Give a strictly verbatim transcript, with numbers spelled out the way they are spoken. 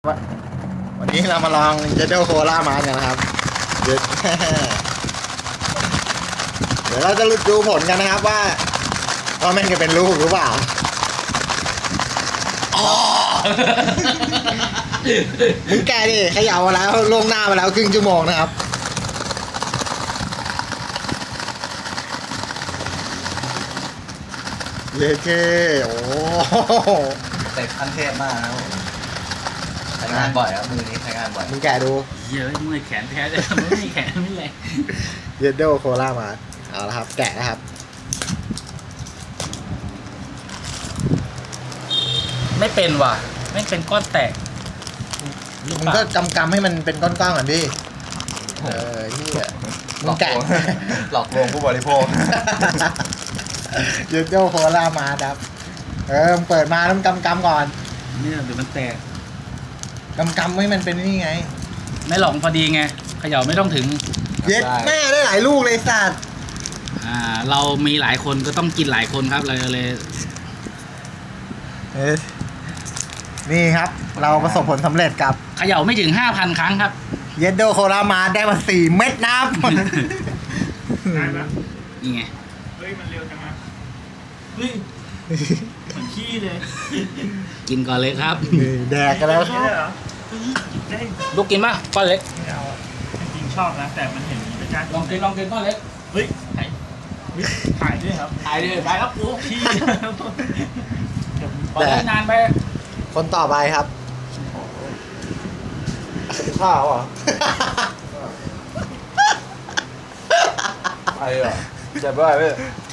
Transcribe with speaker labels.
Speaker 1: วันนี้เรามาลองเจเดลโคล่ามากันนะครับเดี๋ยวเดี๋ยวเราจะดูผลกันนะครับว่าว่าแม่งจะเป็นลูกหรือเปล่ามึงแกดิเขย่ามาแล้วลงหน้ามาแล้วครึ่งชั่วโมงนะครับเลเท่โอ้
Speaker 2: เตะขั้นเทพมากนะครับใช้งานบ่อยครับมือนี้ใช้งานบ่อย
Speaker 1: มึงแกดู
Speaker 3: เยอะเมื่อยแขนแท้เลยไม่มีแขนไม่แรง
Speaker 1: เจเดลโคล่ามาเอาละครับแกะนะครับ
Speaker 3: ไม่เป็นว่ะไม่เป็นก้อนแตก
Speaker 1: มึงก็กำกำให้มันเป็นก้อนๆก่อนดิเออที่มึงแกะ
Speaker 2: หลอกลวงผู้บริโภค
Speaker 1: เจเดลโคล่ามาครับเออเปิดมาแล้วกำกำก่อน
Speaker 3: เนี่ยเดี๋ยวมันแตก
Speaker 1: กำกำให้มันเป็นนี่ไง
Speaker 3: ไม่หลอกพอดีไงเขย่าไม่ต้องถึง
Speaker 1: เย็ดแม่ได้หลายลูกเลยสัตว์
Speaker 3: อ่าเรามีหลายคนก็ต้องกินหลายคนครับเลยเลย
Speaker 1: เออนี่ครับเราประสบผลสำเร็จกับ
Speaker 3: เขย่าไม่ถึงห้าพันครั้งครับ
Speaker 1: เยดโดโคลามาได้มาสี่เม็ดน้ำ
Speaker 4: ได้ปะ
Speaker 3: นี่ไง
Speaker 4: เฮ้ยมันเร็วจังนะเฮ้ยเหมือนขี้เลย
Speaker 3: กินก่อนเลยครับ
Speaker 1: แดกกันแล้วครับ
Speaker 3: ลูกกินป่ะก้อนเล็ก
Speaker 4: ไม่เอาจริงชอบนะแต่มันเห็นเป็นการ
Speaker 3: ลองกินลองกินก้อนเล็ก
Speaker 4: เฮ้ยถ่ายถ่ายด้วยครับ
Speaker 3: ถ่ายด้วยไปครับกู
Speaker 4: ขี้
Speaker 3: พอได้นานไป
Speaker 1: คนต่อไปครับข้าวอ่ะ
Speaker 2: ไปเหรอเจ็บไปไหม